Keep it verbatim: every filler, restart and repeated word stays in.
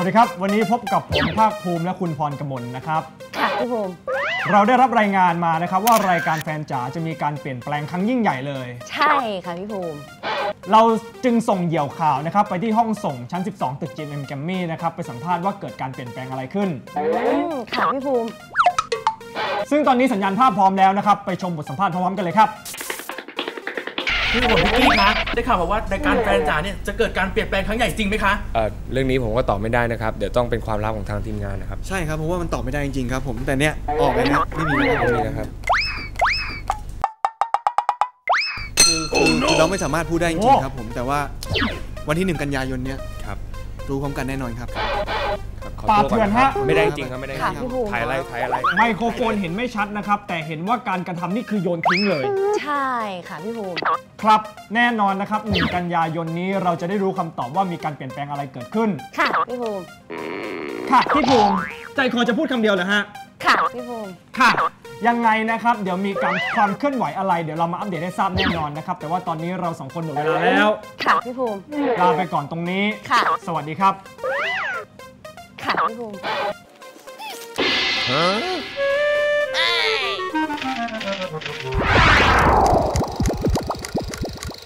วัสดีครับวันนี้พบกับผมภาคภูมิและคุณพรกมลนะครับค่ะพี่ภูมิเราได้รับรายงานมานะครับว่ารายการแฟนจ๋าจะมีการเปลี่ยนแปลงครั้งยิ่งใหญ่เลยใช่ค่ะพี่ภูมิเราจึงส่งเหยี่ยวข่าวนะครับไปที่ห้องส่งชั้นสิบสองตึก จี เอ็ม Grammy นะครับไปสัมภาษณ์ว่าเกิดการเปลี่ยนแปลงอะไรขึ้นค่ะพี่ภูมิซึ่งตอนนี้สัญญาณภาพพร้อมแล้วนะครับไปชมบทสัมภาษณ์พร้อมๆกันเลยครับพี่ผมพี่กี้คะได้ข่าวมาว่ารายการแฟนจ๋าเนี่ยจะเกิดการเปลี่ยนแปลงครั้งใหญ่จริงไหมคะเอ่อเรื่องนี้ผมก็ตอบไม่ได้นะครับเดี๋ยวต้องเป็นความลับของทางทีมงานนะครับใช่ครับเพราะว่ามันตอบไม่ได้จริงๆครับผมแต่เนี้ยออกไปนะไม่มีไม่มีนะครับคือคือเราไม่สามารถพูดได้จริงๆครับผมแต่ว่าวันที่หนึ่งกันยายนเนี้ยครับรู้พร้อมกันแน่นอนครับปาเถื่อนฮะไม่ได้จริงครับไม่ได้จริงถ่ายอะไรถ่ายอะไรไมโครโฟนเห็นไม่ชัดนะครับแต่เห็นว่าการกระทำนี่คือโยนทิ้งเลยใช่ค่ะพี่ภูมิครับแน่นอนนะครับหนึ่งกันยายนนี้เราจะได้รู้คำตอบว่ามีการเปลี่ยนแปลงอะไรเกิดขึ้นค่ะพี่ภูมิค่ะพี่ภูมิใจคอจะพูดคำเดียวเหรอฮะค่ะพี่ภูมิค่ะยังไงนะครับเดี๋ยวมีการความเคลื่อนไหวอะไรเดี๋ยวเรามาอัปเดตให้ทราบแน่นอนนะครับแต่ว่าตอนนี้เราสองคนหมดเวลาแล้วค่ะพี่ภูมิลาไปก่อนตรงนี้ค่ะสวัสดีครับค่ะพี่ภูมิฮะ